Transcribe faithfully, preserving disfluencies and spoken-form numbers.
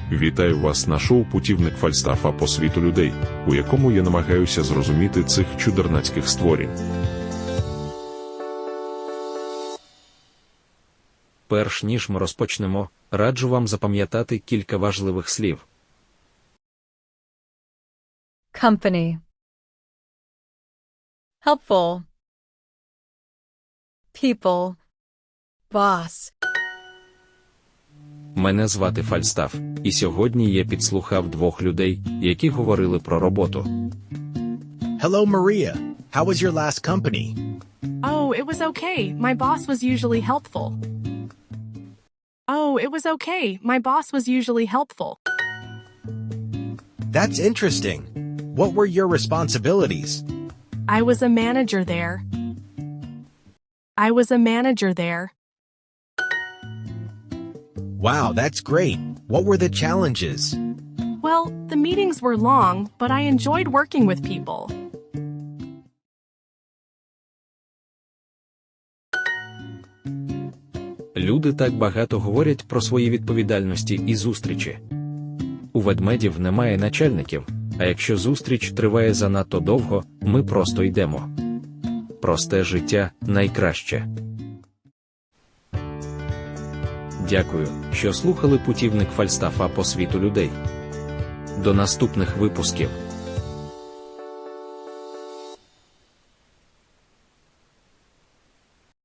Вітаю вас на шоу «Путівник Фальстафа по світу людей», у якому я намагаюся зрозуміти цих чудернацьких створінь. Перш ніж ми розпочнемо, раджу вам запам'ятати кілька важливих слів. Company. Helpful. People. Boss. Мене звати Фальстаф, і сьогодні я підслухав двох людей, які говорили про роботу. Hello, Maria. How was your last company? Oh, it was okay. My boss was usually helpful. Oh, it was okay. My boss was usually helpful. That's interesting. What were your responsibilities? I was a manager there. I was a manager there. Wow, that's great. What were the challenges? Well, the meetings were long, but I enjoyed working with people. Люди так багато говорять про свої відповідальності і зустрічі. У ведмедів немає начальників, а якщо зустріч триває занадто довго, ми просто йдемо. Просте життя – найкраще. Дякую, що слухали «Путівник Фальстафа по світу людей». До наступних випусків.